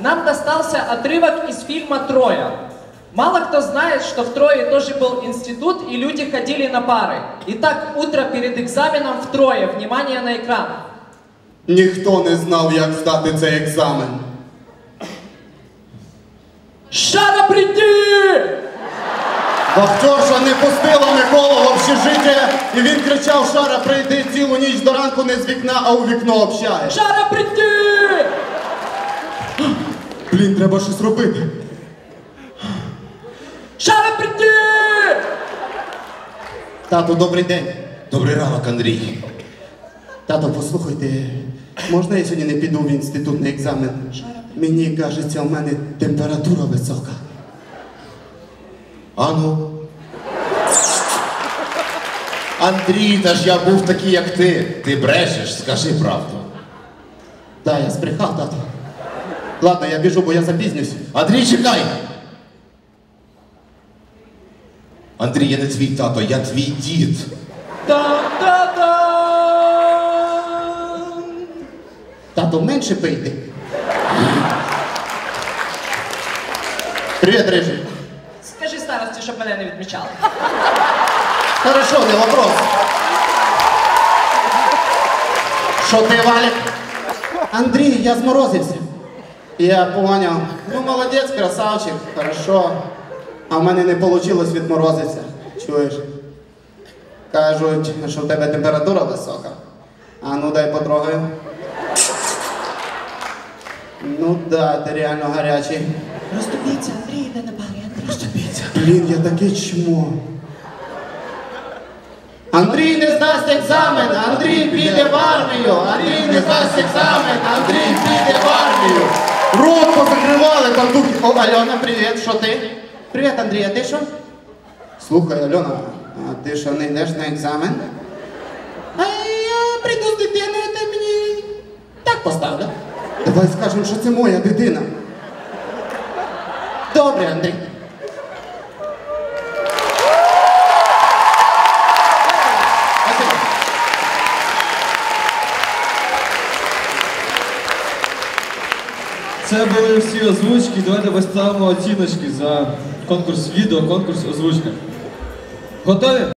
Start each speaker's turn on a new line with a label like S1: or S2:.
S1: нам достался отрывок из фильма «Троя». Мало кто знает, что в Трое тоже был институт, и люди ходили на пары. Итак, утро перед экзаменом в Трое. Внимание на экран.
S2: Ніхто не знав, як здати цей екзамен.
S1: Шара, приди!
S2: Вахтерша не пустила Миколу в общежиття, і він кричав: Шара, прийди, цілу ніч до ранку не з вікна, а у вікно общає.
S1: Шара, приди!
S2: Блін, треба щось робити.
S1: Шара, приди!
S2: Тату, добрий день.
S3: Добрий ранок, Андрій.
S2: Тато, послухайте, можна я сьогодні не піду в інститут на екзамен? Мені кажеться, у мене температура висока.
S3: Ану. Андрій, та ж я був такий, як ти. Ти брешеш, скажи правду.
S2: Да, я збрехав, тато. Ладно, я біжу, бо я запізнюсь.
S3: Андрій, чекай! Андрій, я не твій тато, я твій дід.
S1: Та-та-та!
S2: Тато, менше пийте. Привіт, Рижий.
S1: Скажи старості, щоб мене не відмічали.
S2: Хорошо, не вопрос. Що ти, Валік? Андрій, я зморозився. Я поняв. Ну, молодець, красавчик, хорошо. А в мене не вийшло відморозитися. Чуєш? Кажуть, що в тебе температура висока. А ну дай потрогаю. Ну да, ти реально гарячий.
S1: Розступіться, Андрій, йде на парі, Андрій.
S3: Розступіться.
S2: Блін, я таке чмо. Андрій не здасть екзамен, Андрій піде в армію. Андрій не здасть екзамен, Андрій піде в армію. Рот позакривали там духи. О, Альона, привіт, що ти? Привіт, Андрій, а ти що? Слухай, Альона, а ти що, не йдеш на екзамен? А я прийду з дитиною, ти мені так поставлю. Давай скажемо, що це моя дитина. Добре, Андрій.
S4: Це були всі озвучки. Давайте поставимо оціночки за конкурс відео, конкурс озвучка. Готові?